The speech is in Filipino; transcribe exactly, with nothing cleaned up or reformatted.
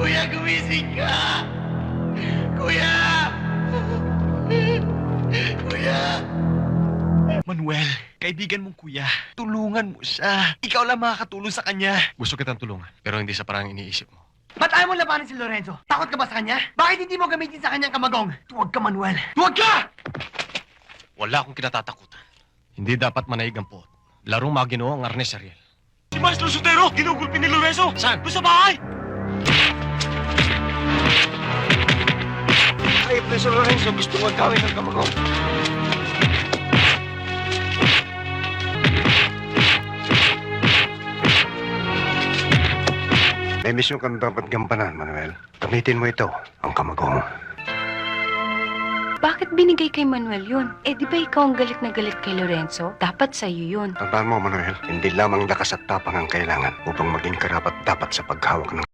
Kuya, gumising ka! Kuya! Kuya! Manuel, kaibigan mong kuya, tulungan mo siya. Ikaw lang makakatulong sa kanya. Gusto kitang tulungan, pero hindi sa parang iniisip mo. Ba't ayaw mo labanan si Lorenzo? Takot ka ba sa kanya? Bakit hindi mo gamitin sa kanyang kamagong? Tuwag ka, Manuel. Tuwag ka! Wala akong kinatatakutan. Hindi dapat manaig ang pot. Larong maginoo ang arnes, Ariel. Si Maestro Sotero, ginugulpi ni Lorenzo. Saan? Doon sa bahay! Ay, Preso Lorenzo, gusto mo gawin ng kamagong. May misyon kang dapat gampanan, Manuel. Gamitin mo ito, ang kamagong. Bakit binigay kay Manuel yun? Eh di ba ikaw ang galit na galit kay Lorenzo? Dapat sa'yo yun. Tandaan mo, Manuel, hindi lamang lakas at tapang ang kailangan upang maging karapat dapat sa paghawak ng